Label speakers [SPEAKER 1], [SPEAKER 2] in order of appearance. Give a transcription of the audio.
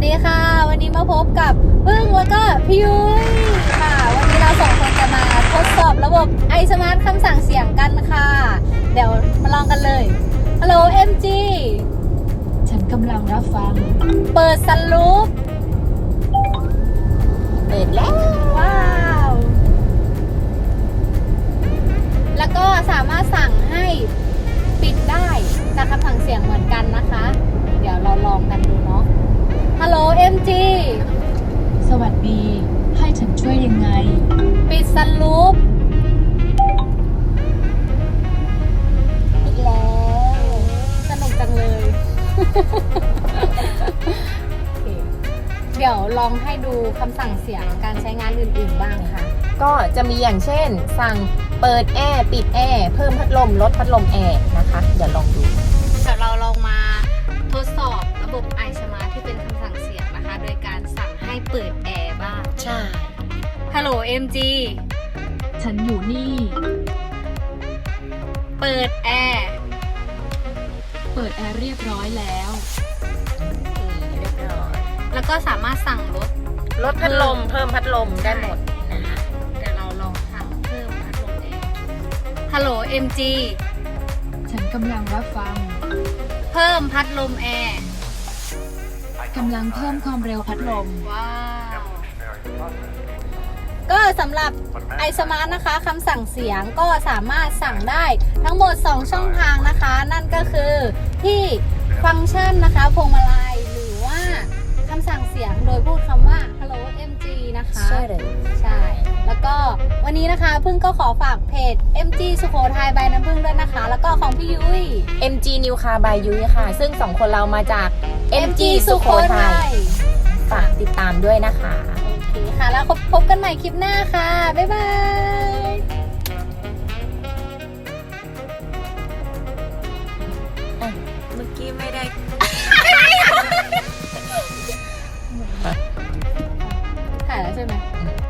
[SPEAKER 1] ดีค่ะวันนี้มาพบกับพึ่งแล้วก็พี่ยุ้ยค่ะวันนี้เราสองคนจะมาทดสอบระบบไอสมาร์ทคำสั่งเสียงกันค่ะเดี๋ยวมาลองกันเลยฮัลโหล MG
[SPEAKER 2] ฉันกำลังรับฟัง
[SPEAKER 1] เปิดซันรูฟ
[SPEAKER 2] เปิดแล้ว
[SPEAKER 1] ว้าวแล้วก็สามารถสั่งให้ปิดได้จากคำสั่งเสียงเหมือนกันนะคะเดี๋ยวเราลองกันดูเนาะฮัลโหล MG
[SPEAKER 2] สวัสดี ให้ฉันช่วยยังไง
[SPEAKER 1] ปิดซันรูฟอีกแล้วสนุกจังเลย เดี๋ยวลองให้ดูคำสั่งเสียงการใช้งานอื่นๆบ้างค่ะ
[SPEAKER 3] ก็จะมีอย่างเช่น สั่งเปิดแอร์ปิดแอร์เพิ่มพัดลมลดพัดลมแอร์นะคะเดี๋ยวลองดู
[SPEAKER 1] เดี๋ยวเราลองมาทดสอบระบบ iSmart ที่เป็นคำสั่งเสียงนะคะ โดยการสั่งให้เปิดแอร์บ้าง
[SPEAKER 3] ใช่
[SPEAKER 1] ฮัลโหล MG
[SPEAKER 2] ฉันอยู่นี่
[SPEAKER 1] เปิดแอร์
[SPEAKER 2] เปิดแอร์เรียบร้อยแล้ว
[SPEAKER 3] เรียบร้อย
[SPEAKER 1] แล้วก็สามารถสั่งลด
[SPEAKER 3] ลดพัดลมเพิ่มพัดลมได้หมดนะคะ
[SPEAKER 1] เดี๋ยวเราลองสั่งเพิ่มพัดลมแอร์ฮัลโหล MG
[SPEAKER 2] ฉันกำลังรับฟัง
[SPEAKER 1] เพิ่มพัดลมแอร์
[SPEAKER 2] กำลังเพิ่มความเร็วพัดลม
[SPEAKER 1] ว้าว ก็สำหรับ iSmart นะคะคำสั่งเสียงก็สามารถสั่งได้ทั้งหมด 2 ช่องทางนะคะ นั่นก็คือที่ฟังก์ชันนะคะพวงมาลัยหรือว่าคำสั่งเสียงโดยพูดคำว่า Hello MG นะคะ
[SPEAKER 3] ใช่เลย
[SPEAKER 1] ใช่ แล้วก็วันนี้นะคะพึ่งก็ขอฝากเพจ MG สุโขทัยใบน้ำพึ่งด้วยนะคะ แล้วก็ของพี่ยุ้ย
[SPEAKER 3] MG New Car by ยุ้ยค่ะ ซึ่งสองคนเรามาจาก MG สุโขทัยฝากติดตามด้วยนะคะ
[SPEAKER 1] โอเคค่ะ แล้วพบกันใหม่คลิปหน้าค่ะ บ๊ายบาย
[SPEAKER 3] เมื่อกี้ไม่ได้
[SPEAKER 1] ถ่ายแล้วใช่ไหม